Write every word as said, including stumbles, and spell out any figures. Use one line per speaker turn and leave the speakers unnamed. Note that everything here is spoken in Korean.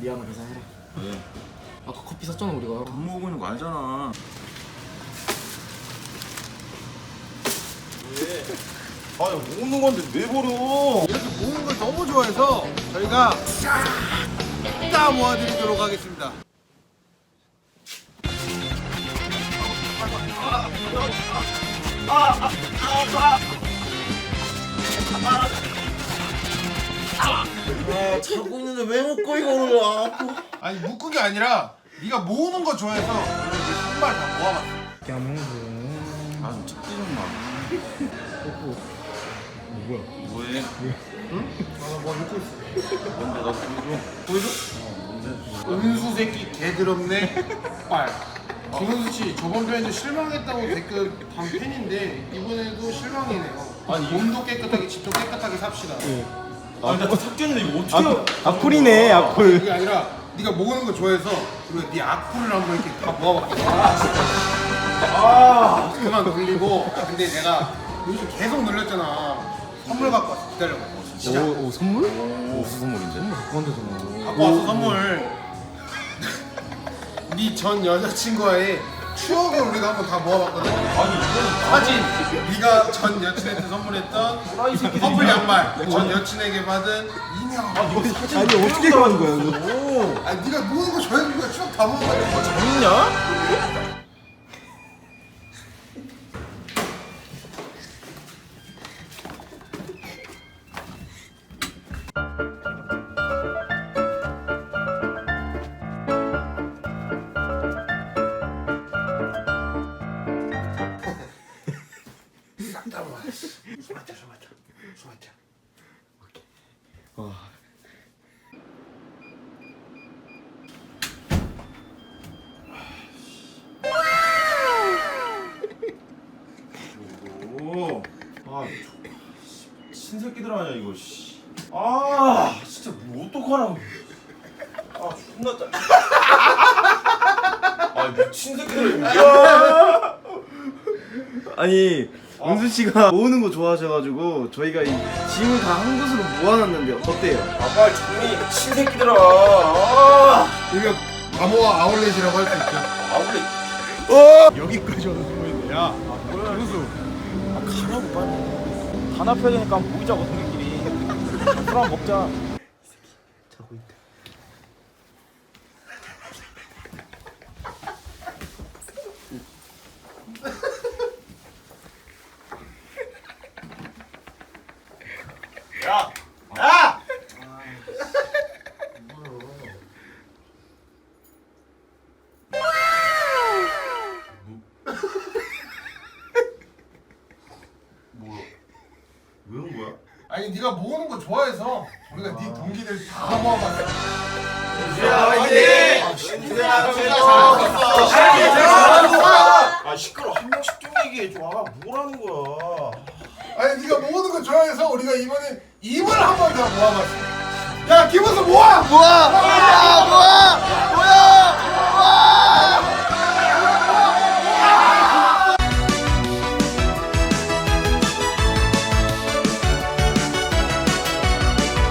미안해 계산해라.
왜?
아까 커피 샀잖아 우리가.
밥 먹고 있는 거 알잖아. 왜? 아니 모으는 건데 왜 버려?
이렇게 모으는 걸 너무 좋아해서 저희가 싹 다 모아드리도록 하겠습니다.
아 자고 있는데 왜 먹고 이거를 아.
아니 묶은 게 아니라 네가 모으는 거 좋아해서 정말 다 모아봤어.
아좀 찾기 좀 마.
뭐야?
뭐해?
응? 아나뭐 묶고 있어.
뭔데 나 보여줘? 보여줘?
은수 새끼 개드럽네. 빨. 김은수 씨 저번 편에도 실망했다고 댓글 단 팬인데 이번에도 실망이네요.
아니,
몸도 깨끗하게 집도 깨끗하게 삽시다.
아니 나 삭제했는데 이거 어떻게 해?
악플이네 악플.
그게 아니라 네가 모으는 거 좋아해서 우리가 네 악플을 한번 이렇게 다 모아봤어. 아 그만 돌리고. 근데 내가 요즘 계속 눌렸잖아. 선물 갖고 왔어. 기다려봐. 진짜
오, 오 선물?
무슨 선물인데?
그만두잖아.
갖고 와서 선물. 네 전 여자친구와의 추억을 우리가 한번 다 모아봤거든.
아니 이거는
사진, 네가 전 여친한테 선물했던 커플 양말, 전 여친에게 받은 인형.
아 이거 사진
아니 어떻게 가는 거야 이거?
오
아니 네가 모으는 거 좋아해서 추억 다 모아봤는데
재밌냐?
싹다 모아. 숨 맞자, 숨 맞자, 숨 맞자.
와.
오. 아 신새끼들 아니야 이거 씨. 아 진짜 뭐 어떡하라고. 아 존나 짜. 아 미친 새끼들. 야.
아니 은수 씨가 모으는 거 좋아하셔가지고 저희가 이 짐을 다 한 곳으로 모아놨는데 어때요?
아 빨리 정리 미친 새끼들아. 아.
이거 바모와 아울렛이라고 할 수 있죠.
아울렛.
여기까지 와서 숨어있네. 야, 아, 뭐야, 현수.
가라고 빨리. 다 납해야 되니까 한번 모이자고 동네끼리. 술 한번 먹자.
자고 있다.
야! 야! 뭐야? 왜 온 거야?
아니, 네가 모으는 거 좋아해서 우리가 네 동기들 다 모아봤어.
아 시끄러. 한 명씩 좀 얘기해 줘. 아 뭐라는 거야?
아니, 네가 모으는 거 좋아해서 우리가 이번에 입을 한 번 더 모아봤어. 야, 김은수 모아!
모아! 야 모아! 모아!